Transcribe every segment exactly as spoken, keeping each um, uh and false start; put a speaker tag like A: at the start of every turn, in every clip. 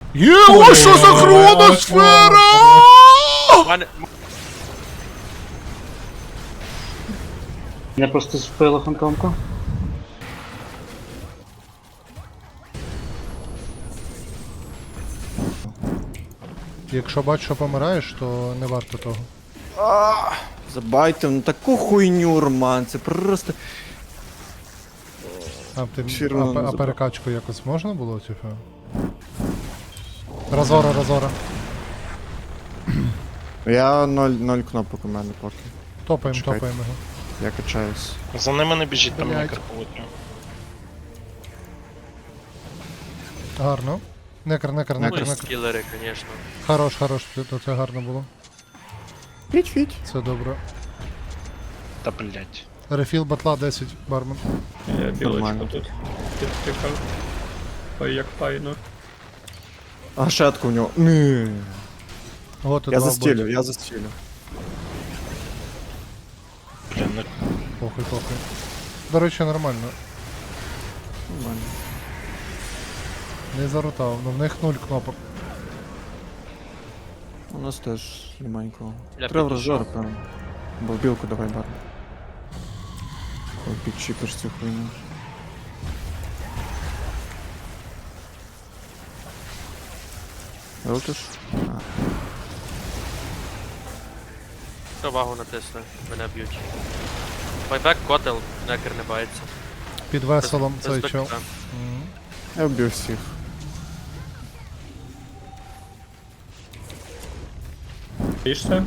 A: Є, о, що за хроносфера!
B: Мене...
C: Мене просто спила фантомка.
A: Якщо бачиш, що помираєш, то не варто того.
D: Забайте, ну таку хуйню, Роман, це просто...
A: А, ти,
D: Всі
A: а,
D: одно не
A: а
D: забрав.
A: перекачку якось можна було, типу? Разора, разора.
D: Я ноль, ноль кнопок у мене поки.
A: Топаємо,
D: Чекайте.
A: топаємо його.
D: Я качаюсь.
B: За ними не біжіть, там
A: Блядь.
B: некер повотря.
A: Гарно. Некер, некер,
B: Ну
A: некер,
B: і
A: некер.
B: скілери, звісно.
A: Хорош, хорош, то це гарно було.
D: Фіть-фіть.
A: Це добре.
B: Та блять.
A: Рефіл батла десять, бармен.
E: Я білочку
D: Нормально.
E: тут підтикав. Ой, як файно.
D: А шатку у нього. Ні.
A: От і
D: Я
A: два
D: застілю,
A: вбиті.
D: я застілю.
B: Блін, ну
A: Похуй, похуй. До речі, нормально.
D: Нормально.
A: Не зарутав, ну в них нуль кнопок.
D: У нас теж немає нікого.
B: Я
D: Треба в
B: підійшов.
D: розжор, певно. Бо в білку давай бар. Ой, підчіпиш цю хуйню. Рутиш? А.
B: Увагу натисни, мене б'ють. Байбек, котел, некер не бається.
A: Під веселом
B: Без-
A: цей
B: без
A: чел.
B: БК.
A: Мгм.
D: Я вбив всіх.
E: Пішся?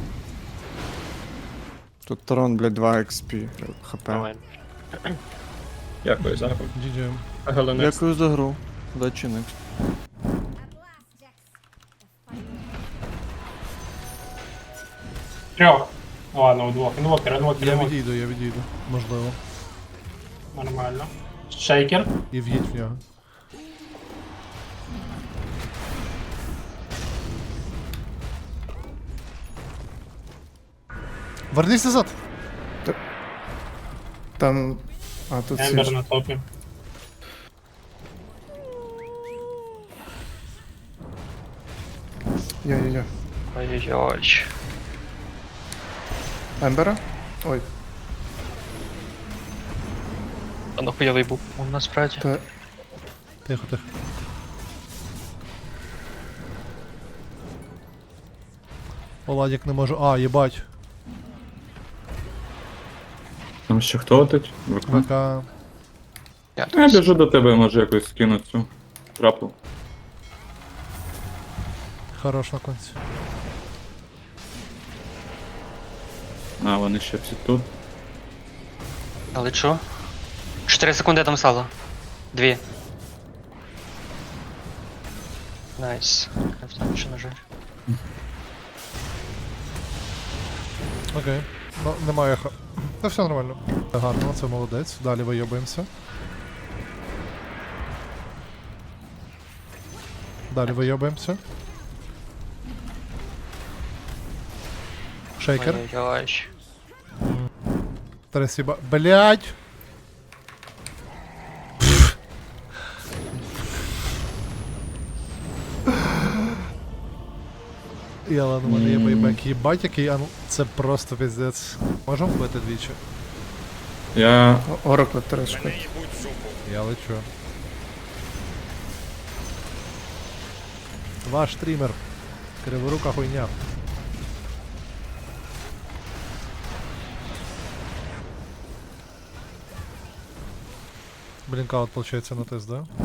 D: Тут Тарон, блядь, два експі. ХП.
B: Давай.
E: Дякую за гру.
A: джі джі.
E: Галинець.
D: Дякую за гру. Удачі next.
F: Трьох. Ну ладно, у двох. Інвокер, інвокер,
A: Я
F: інвокер.
A: відійду, я відійду. Можливо.
F: Нормально. Шейкер.
A: І в'їдь в нього. Вернись назад!
D: Там... А, тут
F: Ембер
D: всі...
F: на топі.
D: Я-я-я.
B: Ой-ой-ой.
D: Ембера? Ой,
B: А ну хуйовий був у насправді.
D: та...
A: Тихо, тихо. Оладік не можу. А, їбать.
G: Там ще хто тут? ВК?
A: ВК.
G: Я біжу до тебе, може якось скину цю трапу.
A: Хорош на конці.
G: А, вони ще всі тут.
H: Але чо? чотири секунди там сало. Дві. Найс. Там ще нажать.
A: Окей. Ну, немає ха. Та все нормально. Гарно, це молодець. Далі вийобуємося. Далі вийобуємося. Шейкер.
H: Ой-ой-ой.
A: Тресіба. Блять! Яла, ну мене є байбек. Єбать, який ан... Це просто пиздець. Можемо вбити двічі?
G: Я.
D: Оракла трешка.
A: Я лечу. Ваш стрімер. Криворука хуйня. Блинкаут получается на тест, да?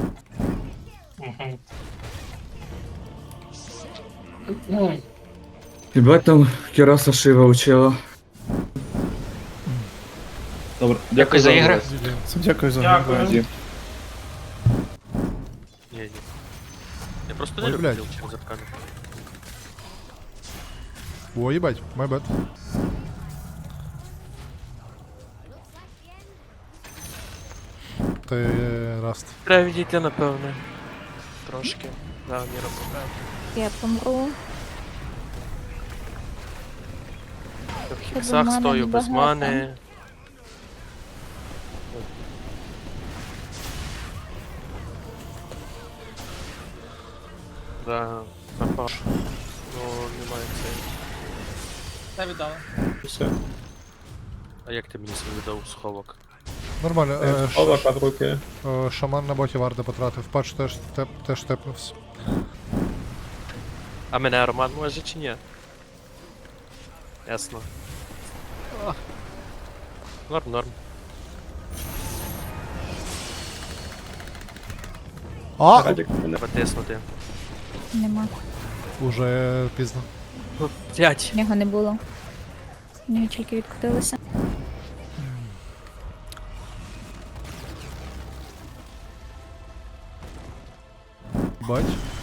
F: Угу.
G: Хіба там Кіраса Шива учила. Добре,
H: Дякую за ігри.
D: Дякую за
F: Дякую.
D: гру.
B: Ні, ні. Я просто
A: Ой,
B: не люблю
A: блядь.
B: через аркану.
A: О, ебать, my bad. Ти е, раст.
B: Треба відійти, напевне. Трошки. Да, не робимо.
I: Я помру.
B: В
I: Без
B: хіксах
I: мани
B: стою без
I: небагато.
B: мани. Да, напав. Ну, немає цей.
E: Та віддала. Все.
B: А як ти мені свій видав сховок?
A: Нормально. Е, ш-
E: Ховак від руки.
A: е, шаман на боті варди потратив. Патч теж, теп, теж тепнувся.
B: А мене Роман може чи ні? Ясно. А. Норм, норм.
A: А!
E: Радік мене.
B: Треба тиснути.
I: Нема.
A: Уже пізно.
B: П'ять.
I: Нього не було. У нього тільки відкотилося.
A: Бать.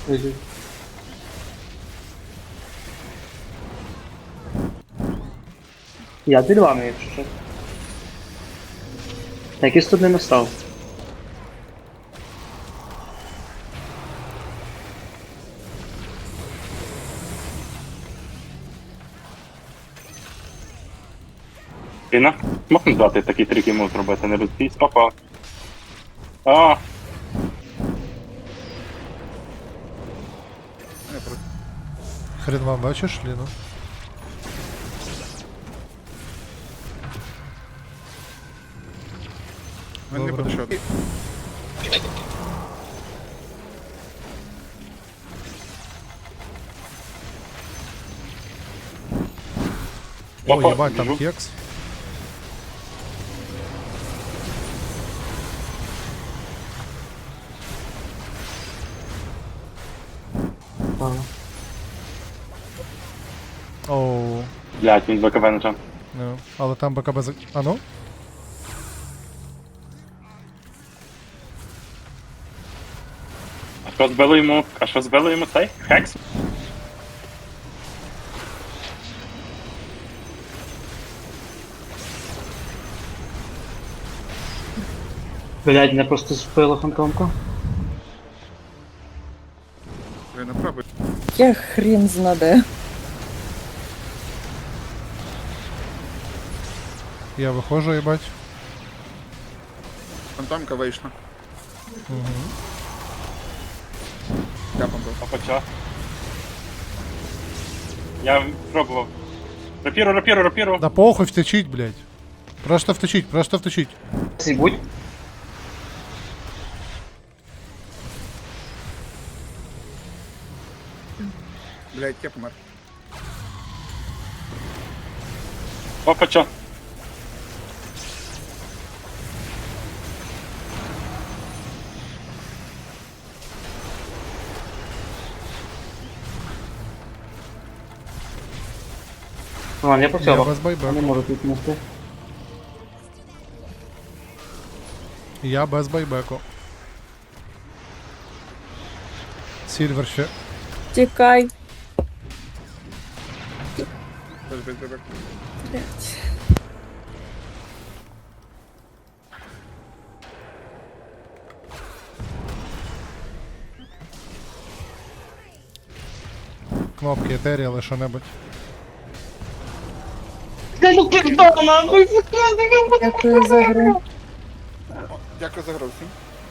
C: Я під вами, якщо що. Якийсь тут не настав.
G: Піна, можна здати такий трик йому зробити, не розбійсь, папа. А,
A: Хрен вам бачиш, Ліну?
D: Він не
A: Добре.
D: буде шот.
A: О,
G: Папа,
A: єбать, там
G: біжу.
A: кекс. Оу.
G: блядь, він БКБ нажав.
A: Ну, але там БКБ за... А ну?
G: А що збило йому, а що збило йому цей? Хекс?
C: Блядь, мене просто збила фантомка.
D: Ви направо.
J: Я хрін знаде.
A: Я виходжу, їбать.
D: Фантомка вийшла.
A: Угу.
D: Капом був.
G: Папа, чо? Я пробував. Рапіру, рапіру, рапіру.
A: Да похуй, втечіть, блядь. Просто втечіть, просто втечіть.
C: Сібудь.
D: Блядь, я помер.
G: Папа, чо?
C: Ладно, я
A: Я
C: поцілував.
A: без
C: Я
A: байбеку.
C: не можу тут нести.
A: Я без байбеку. Сільвер ще.
J: Тікай.
D: Тож без бебек.
J: Блядь.
A: Кнопки етеріали, що-небудь.
J: Дякую за гру.
D: Дякую за гру всім.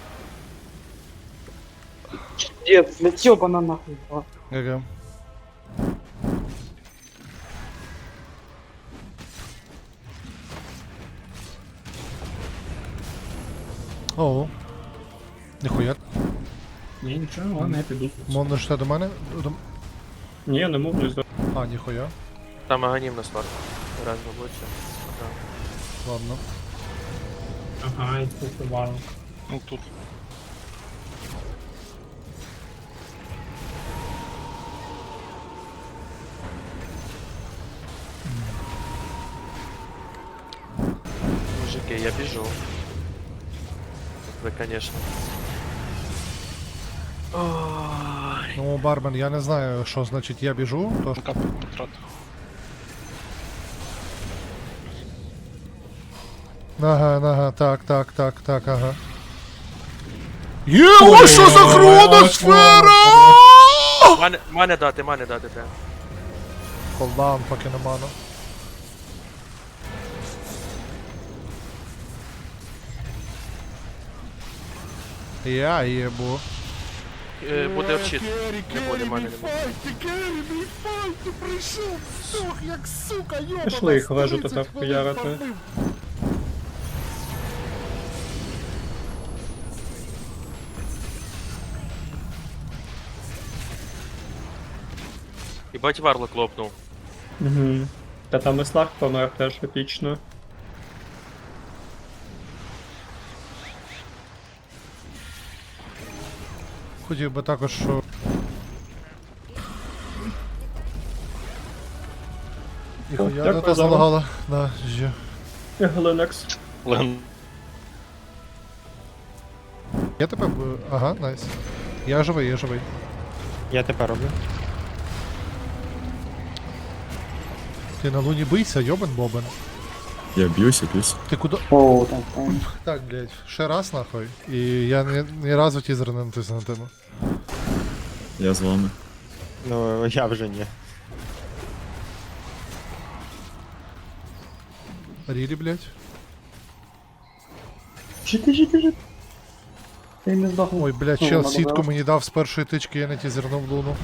C: Дід, для цьобана нахуй.
A: ГГ. Оу. Ніхуя.
E: Ні, нічого, ладно, я піду.
A: Мон ще до мене? До...
E: Ні, я не можу здати.
A: А, ніхуя.
B: Там аганім на сварку. Раз мабуть.
A: Ладно.
F: Ага, і тут варно.
B: Ну тут. Мужики, я біжу. Ви, конечно. Ой.
A: Ну, бармен, я не знаю, що значить я біжу, тож... Ага, ага, так, так, так, так, ага. Є, ось що за хроносфера!
B: Мане, мане дати, мане дати, те.
A: Колдаун, поки не ману. Я їбу.
B: е, буде вчит. Не буде, мене не буде.
A: Файті, Керрі, мій файті прийшов, сох, як сука, йобана.
E: Пішли їх вежу
A: тридцять
E: тепер
A: хвилин
E: хуярити.
A: фармив.
B: Їбать варлок лопнув.
E: Угу. Та там і Сларк помер теж епічно.
A: Хотів би також, що... Ніхуя,
E: Дякую
A: не та
E: за вам.
A: залагала. Да, жі.
E: І Глинекс.
B: Лен.
A: Я тебе... б- Ага, найс. Я живий, я живий.
F: Я тепер роблю.
A: Ти на луні бийся, йобан бобен.
K: Я б'юся, б'юся.
A: Ти куди?
C: Оу, так, так.
A: Так, блядь, ще раз нахуй. І я ні, ні разу тізер не натиснутиму.
K: Я з вами.
F: Ну, я вже ні.
A: Рілі, блядь.
C: Жити, жити, жити. Ти не здохнув.
A: Ой, блядь,
C: Ну,
A: чел
C: надо
A: сітку
C: було.
A: мені дав з першої тички, я не тізернув луну.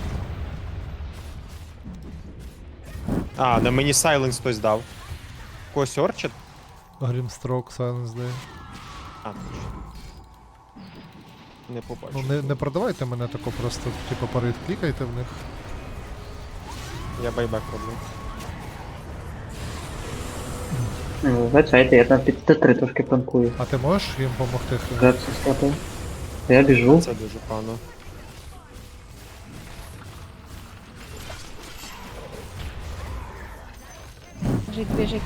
F: А, на мені сайленс хтось дав. Когось орчит?
A: Грімстрок, Silence Day.
F: А, точно. Не побачив.
A: Ну не, не продавайте мене тако просто, типу, парит клікайте в них.
F: Я байбек роблю.
C: Ну, вибачайте, я там під Т три трошки панкую.
A: А ти можеш їм допомогти?
C: Греб схватив. Я біжу.
F: Це дуже погано.
I: Біжить, біжить.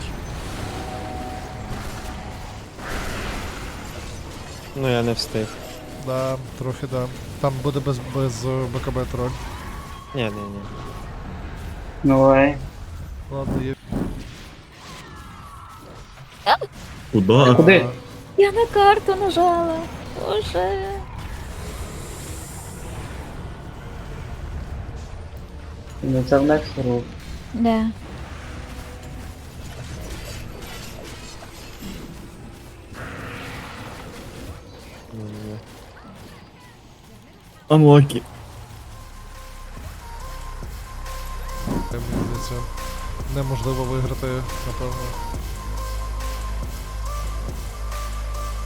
F: Ну я не встиг.
A: Да, трохи да. Там буде без, без е, БКБ троль.
F: Ні, ні, ні.
C: Ну, ей.
A: Ладно, є.
K: Куда?
C: Куди?
I: Я на карту нажала. Боже.
C: Ну, це в Некс рул.
I: Да.
F: Ні, ні.
K: Unlucky.
A: Мені здається, неможливо виграти, напевно.